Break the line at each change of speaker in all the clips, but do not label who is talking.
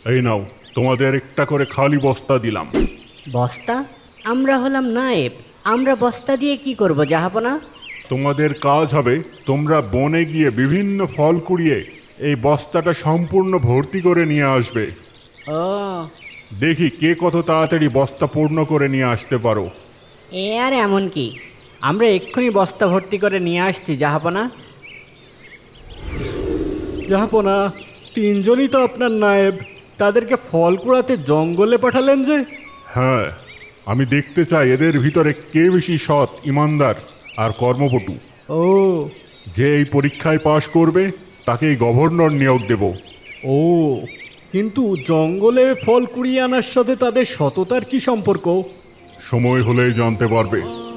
এই নাও, তোমাদের একটা করে খালি বস্তা দিলাম।
বস্তা? আমরা হলাম নায়েব, আমরা বস্তা দিয়ে কি করব জাহাপনা?
তোমাদের কাজ হবে তোমরা বনে গিয়ে বিভিন্ন ফল কুড়িয়ে এই বস্তাটা সম্পূর্ণ ভর্তি করে নিয়ে আসবে।
ও,
দেখি কে কত তাড়াতাড়ি বস্তা পূর্ণ করে নিয়ে আসতে পারো।
এ আর এমন কি,
আমরা এক্ষুনি বস্তা ভর্তি করে নিয়ে আসছি জাহাপনা। জাহাপনা, তিনজনই তো আপনার নায়েব, তাদেরকে ফল কুড়াতে জঙ্গলে পাঠালেন যে?
হ্যাঁ, আমি দেখতে চাই এদের ভিতরে কে বেশি সৎ, ইমানদার আর কর্মপটু।
ও
যে এই পরীক্ষায় পাশ করবে তাকেই গভর্নর নিয়োগ দেব।
ও, কিন্তু জঙ্গলে ফল কুড়িয়ে আনার সাথে তাদের সততার কি সম্পর্ক?
সময় হলেই জানতে পারবে।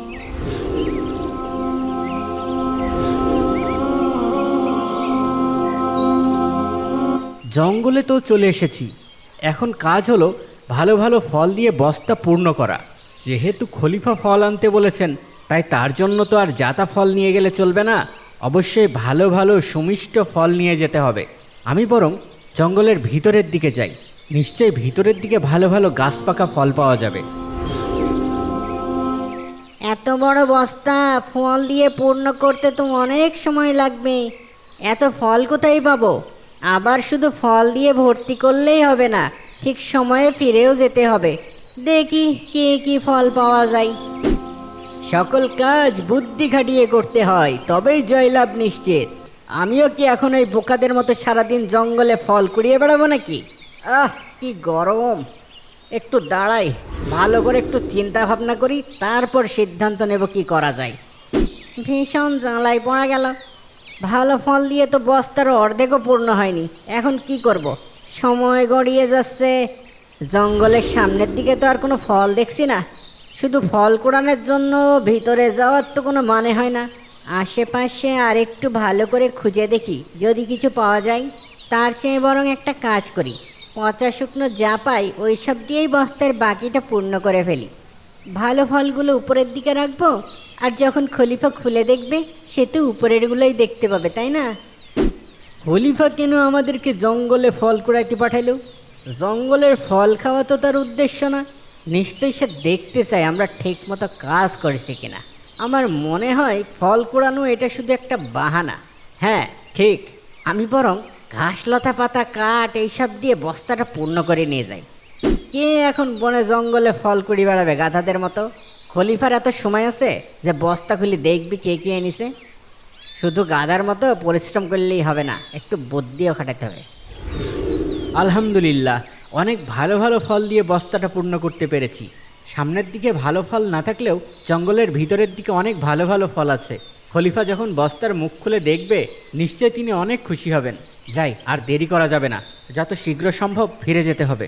জঙ্গলে তো চলে এসেছি, এখন কাজ হলো ভালো ভালো ফল দিয়ে বস্তা পূর্ণ করা। যেহেতু খলিফা ফল আনতে বলেছেন, তাই তার জন্য তো আর জাতা ফল নিয়ে গেলে চলবে না, অবশ্যই ভালো ভালো সুমিষ্ট ফল নিয়ে যেতে হবে। আমি বরং জঙ্গলের ভিতরের দিকে যাই, নিশ্চয়ই ভিতরের দিকে ভালো ভালো গাছ পাকা ফল পাওয়া যাবে।
এত বড় বস্তা ফল দিয়ে পূর্ণ করতে তো অনেক সময় লাগবে। এত ফল কোথায় পাবো? আবার শুধু ফল দিয়ে ভর্তি করলেই হবে না, ঠিক সময়ে ফিরেও যেতে হবে। দেখি কি কি ফল পাওয়া যায়। সকল কাজ বুদ্ধি খাটিয়ে করতে হয়, তবেই জয়লাভ নিশ্চিত। আমিও কি এখন ওই বোকাদের মতো সারাদিন জঙ্গলে ফল কুড়িয়ে বেড়াবো নাকি? কি গরম! একটু দাঁড়াই, ভালো করে একটু চিন্তা ভাবনা করি, তারপর সিদ্ধান্ত নেব কি করা যায়। ভীষণ জ্বালায় পড়া গেল। ভালো ফল দিয়ে তো বস্তার অর্ধেকও পূর্ণ হয়নি, এখন কি করব? সময় গড়িয়ে যাচ্ছে, জঙ্গলের সামনের দিকে তো আর কোনো ফল দেখছি না। শুধু ফল কুড়ানোর জন্য ভিতরে যাওয়ার তো কোনো মানে হয় না। আশেপাশে আর একটু ভালো করে খুঁজে দেখি যদি কিছু পাওয়া যায়। তার চেয়ে বরং একটা কাজ করি, পচা শুকনো যা পাই ওই সব দিয়েই বস্তার বাকিটা পূর্ণ করে ফেলি। ভালো ফলগুলো উপরের দিকে রাখবো, আর যখন খলিফা খুলে দেখবে সে তো উপরেরগুলোই দেখতে পাবে, তাই না? খলিফা কেন আমাদেরকে জঙ্গলে ফল কুড়াইতে পাঠাইলো? জঙ্গলের ফল খাওয়া তো তার উদ্দেশ্য না। নিশ্চয়ই সে দেখতে চায় আমরা ঠিক মতো কাজ করেছি কিনা। আমার মনে হয় ফল কুড়ানো এটা শুধু একটা বাহানা। হ্যাঁ ঠিক, আমি বরং ঘাস লতা পাতা কাঠ এইসব দিয়ে বস্তাটা পূর্ণ করে নিয়ে যাই। কে এখন বনে জঙ্গলে ফল কুড়ি বেড়াবে গাধাদের মতো? খলিফার এত সময় আছে যে বস্তা খুলি দেখবি কে কে এনেছে? শুধু গাধার মতো পরিশ্রম করলেই হবে না, একটু বুদ্ধিও খাটাতে হবে।
আলহামদুলিল্লাহ, অনেক ভালো ভালো ফল দিয়ে বস্তাটা পূর্ণ করতে পেরেছি। সামনের দিকে ভালো ফল না থাকলেও জঙ্গলের ভিতরের দিকে অনেক ভালো ভালো ফল আছে। খলিফা যখন বস্তার মুখ খুলে দেখবে, নিশ্চয় তিনি অনেক খুশি হবেন। যাই, আর দেরি করা যাবে না, যত শীঘ্র সম্ভব ফিরে যেতে হবে।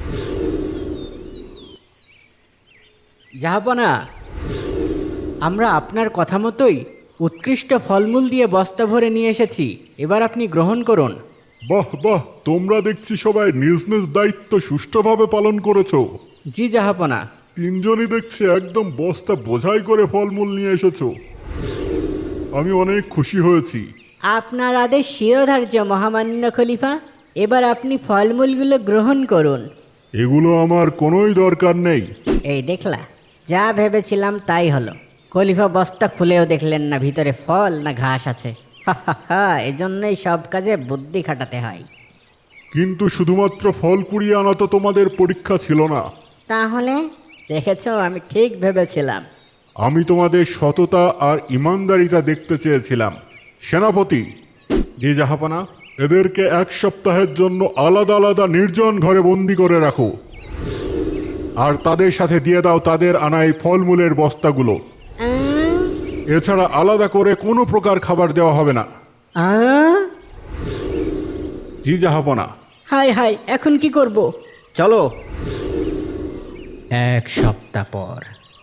জাহাপনা, আমরা আপনার কথা মতোই উৎকৃষ্ট ফলমূল দিয়ে বস্তা ভরে নিয়ে এসেছি, এবার আপনি গ্রহণ করুন।
বাহ বাহ, তোমরা দেখছি সবাই নিজ নিজ দায়িত্ব সুষ্ঠুভাবে পালন করেছো।
জি জাহাপনা।
তিনজনই দেখছি একদম বস্তা বোঝাই করে ফলমূল নিয়ে এসেছো। আমি অনেক খুশি হয়েছি।
আপনার আদেশ শিরোধার্য মহামান্য খলিফা, এবার আপনি ফলমূলগুলো গ্রহণ করুন।
এগুলো আমার কোনোই দরকার নেই।
এই দেখলা, যা ভেবেছিলাম তাই হলো। খলিফা বস্তা খুলেও দেখলেন না ভিতরে ফল না ঘাস আছে। এজন্যই সব কাজে বুদ্ধি খাটাতে হয়।
কিন্তু শুধুমাত্র ফল কুড়িয়ে আনা তো তোমাদের পরীক্ষা ছিল না।
তাহলে দেখেছো, আমি ঠিক ভেবেছিলাম।
আমি তোমাদের সততা আর ইমানদারিতা দেখতে চেয়েছিলাম। সেনাপতি। জি জাহাপনা। এদেরকে 1 সপ্তাহের জন্য আলাদা আলাদা নির্জন ঘরে বন্দি করে রাখো, আর তাদের সাথে দিয়ে দাও তাদের আনা এই ফলমূলের বস্তাগুলো। এছাড়া আলাদা করে কোনো প্রকার খাবার দেওয়া হবে না। জি জাহাপনা।
হাই হাই, এখন কি করব?
চলো। 1 সপ্তাহ পর।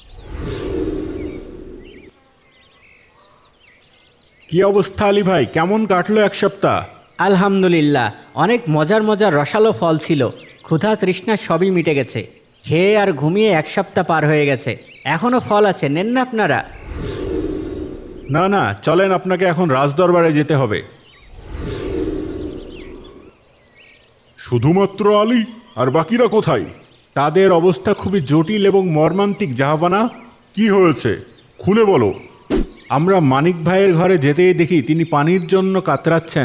কি অবস্থা আলী ভাই, কেমন কাটলো 1 সপ্তাহ?
আলহামদুলিল্লাহ, অনেক মজার মজার রসালো ফল ছিল। ক্ষুধা তৃষ্ণা সবই মিটে গেছে। খেয়ে আর ঘুমিয়ে 1 সপ্তাহ পার হয়ে গেছে। এখনও ফল আছে, নেন না আপনারা।
না না, চলেন, আপনাকে এখন রাজদরবারে যেতে হবে। শুধুমাত্র আলী? আর বাকিরা কোথায়?
তাদের অবস্থা খুবই জটিল এবং মর্মান্তিক জাহাপানা।
কি হয়েছে খুলে বলো।
আমরা মানিক ভাইয়ের ঘরে যেতেই দেখি তিনি পানির জন্য কাতরাচ্ছেন।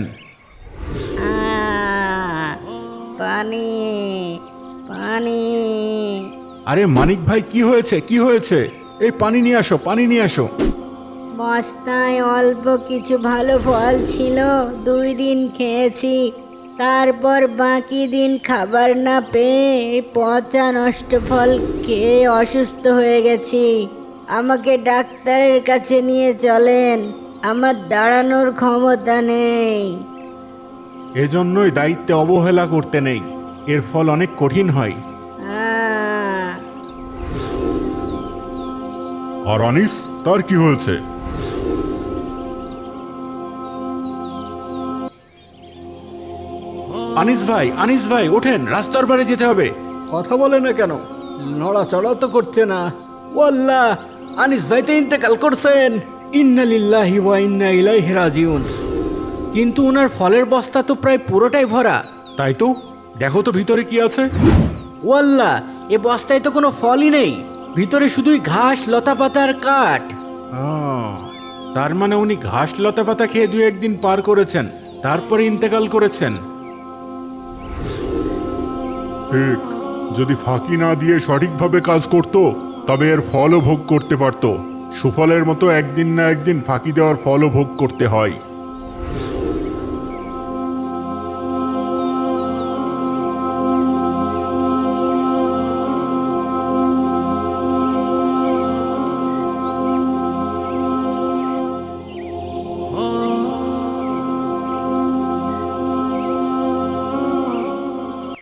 পানি পানি।
আরে মানিক ভাই, কি হয়েছে, কি হয়েছে? এই পানি নিয়ে আসো, পানি নিয়ে আসো।
বস্তায় অল্প কিছু ভালো ফল ছিল, 2 দিন খেয়েছি। তারপর বাকি দিন খাবার না পেয়ে এই পচা নষ্ট ফল খেয়ে অসুস্থ হয়ে গেছি। আমাকে ডাক্তারের কাছে নিয়ে চলেন, আমার দাঁড়ানোর ক্ষমতা নেই।
এজন্যই দায়িত্বে অবহেলা করতে নেই, এর ফল অনেক কঠিন হয়।
আহ,
আর আনিস, তার কি হয়েছে?
আনিস ভাই ওঠেন, রাস্তার পারে যেতে হবে। কথা বলে না কেন? নড়াচড়া তো করছে না। ওয়াল্লাহ, আনিস ভাই তো ইন্তেকাল করছেন। ইন্না লিল্লাহি ওয়া ইন্না ইলাইহি রাজিউন। কিন্তু ওনার ফলের বস্তা তো প্রায় পুরোটাই ভরা।
তাই তো, দেখো তো ভিতরে কি আছে।
ওয়াল্লাহ, এ বস্তায় তো কোনো ফলই নেই, ভিতরে শুধুই ঘাস, লতাপাতা আর কাঠ। তার মানে উনি ঘাস লতাপাতা খেয়ে 2-1 দিন পার করেছেন, তারপরে ইন্তেকাল করেছেন।
ঠিক, যদি ফাঁকি না দিয়ে সঠিকভাবে কাজ করত তবে এর ফলও ভোগ করতে পারত। সুফলের মতো একদিন না একদিন ফাঁকি দেওয়ার ফলও ভোগ করতে হয়।